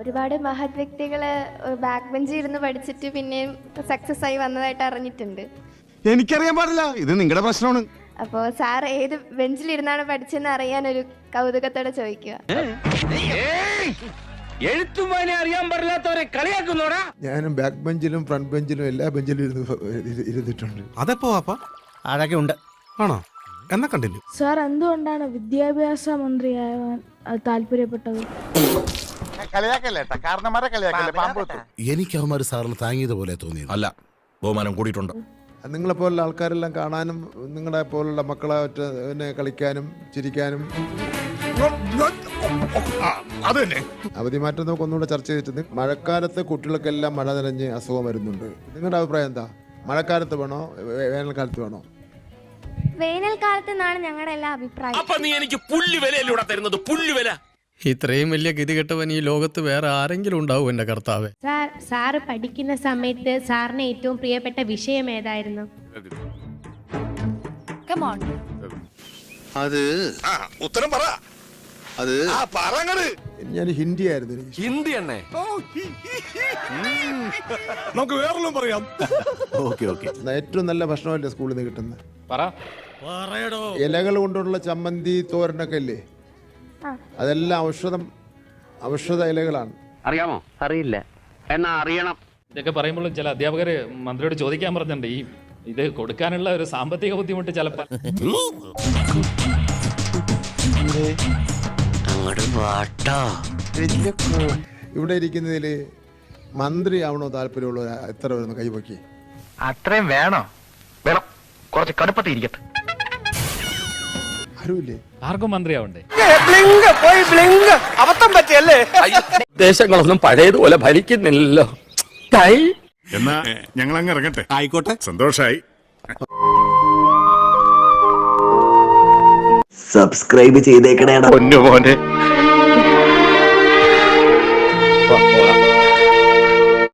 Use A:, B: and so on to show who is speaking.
A: ഒരുപാട് മഹത് വ്യക്തികള് ബാക്ക് ബെഞ്ചിൽ ഇരുന്ന് പഠിച്ചിട്ട് പിന്നെയും സക്സസ് ആയി വന്നതായിട്ട് അറിഞ്ഞിട്ടുണ്ട്.
B: എനിക്കറിയാൻ പാടില്ല, ഇത് നിങ്ങളുടെ പ്രശ്നമാണ്.
A: അപ്പോൾ സാർ ഏത് ബെഞ്ചിലിരുന്നാണ് പഠിച്ചെന്ന് അറിയാൻ ഒരു കൗതുകത്തോടെ ചോദിക്കുക.
C: എഴുത്തുമാനെ അറിയാൻ പാടില്ലാത്തവരെ കളിയാക്കുന്നോടാ.
D: ഞാനും ബാക്ക് ബെഞ്ചിലും ഫ്രണ്ട് ബെഞ്ചിലും എല്ലാ ബെഞ്ചിലും ഇരുന്നിട്ടുണ്ട്.
E: അതെപ്പോ വാപ്പ
F: അതൊക്കെ ഉണ്ട്.
E: ആണോ? എന്നാ കണ്ടിന്യൂ.
G: സാർ എന്തുകൊണ്ടാണ് വിദ്യാഭ്യാസ മന്ത്രിയാവാൻ താല്പര്യപ്പെട്ടത്?
F: എനിക്ക് അവന്മാര് സാറിന് താങ്ങിയതുപോലെ തോന്നി.
H: അല്ല, ബഹുമാനം കൂടിയിട്ടുണ്ട്.
D: നിങ്ങളെപ്പോലുള്ള ആൾക്കാരെല്ലാം കാണാനും നിങ്ങളെ പോലുള്ള മക്കളെ കളിക്കാനും ചിരിക്കാനും. അവധി മാറ്റം നമുക്ക് ഒന്നുകൂടെ ചർച്ച ചെയ്തിട്ട്, മഴക്കാലത്ത് കുട്ടികൾക്കെല്ലാം മഴ നനഞ്ഞ് അസുഖം വരുന്നുണ്ട്. നിങ്ങളുടെ അഭിപ്രായം എന്താ? മഴക്കാലത്ത് വേണോ വേനൽക്കാലത്ത് വേണോ?
A: വേനൽക്കാലത്ത് എന്നാണ് ഞങ്ങളുടെ എല്ലാ അഭിപ്രായം.
C: അപ്പൊ നീ എനിക്ക് പുല്ലുവിലൂടെ തരുന്നത്? പുല്ലുവില.
I: ഇത്രയും വലിയ ഗതികെട്ടവൻ ഈ ലോകത്ത് വേറെ ആരെങ്കിലും ഉണ്ടാവും എന്റെ കർത്താവേ.
G: സാറ് പഠിക്കുന്ന സമയത്ത് സാറിന് ഏറ്റവും പ്രിയപ്പെട്ട വിഷയം ഏതായിരുന്നു?
H: അത് ഉത്തരം പറ. അത്
D: ഞാൻ ഹിന്ദി ആയിരുന്നു എനിക്ക്.
C: ഹിന്ദി എണ്ണേ.
H: നമുക്ക് വേറെല്ലാം പറയാം.
D: ഏറ്റവും നല്ല ഭക്ഷണമല്ലേ സ്കൂളിൽ നിന്ന് കിട്ടുന്നത്? ഇലകൾ കൊണ്ടുള്ള ചമ്മന്തി തോരനൊക്കെ ഇല്ലേ, അതെല്ലാം ഔഷധ ഇലകളാണ്.
C: അറിയാമോ? അറിയില്ല, എന്നാ അറിയണം.
J: ഇതൊക്കെ പറയുമ്പോൾ ചില അധ്യാപകര് മന്ത്രിയോട് ചോദിക്കാൻ പറഞ്ഞിട്ടുണ്ട്, ഈ ഇത് കൊടുക്കാനുള്ള ഒരു സാമ്പത്തിക ബുദ്ധിമുട്ട് ചിലപ്പോൾ.
D: ഇവിടെ ഇരിക്കുന്നതിൽ മന്ത്രി ആവണോ താല്പര്യമുള്ള എത്ര വരുന്നു? കൈവക്കി.
C: അത്രയും വേണോ? വേണം, കുറച്ച് കടുപ്പത്തിരിക്കട്ടെ.
D: ആരുമില്ലേ?
J: ആർക്കും മന്ത്രിയാവണ്ടേ?
C: അബദ്ധം പറ്റിയല്ലേ? ദേശങ്ങളൊന്നും പഴയതുപോലെ ഭരിക്കുന്നില്ലല്ലോ.
B: എന്നാ ഞങ്ങൾ അങ്ങ് ഇറങ്ങട്ടെ.
H: ആയിക്കോട്ടെ,
B: സന്തോഷായി.
F: സബ്സ്ക്രൈബ് ചെയ്തേക്കണേടാ.
C: പൊന്നുമോനെ.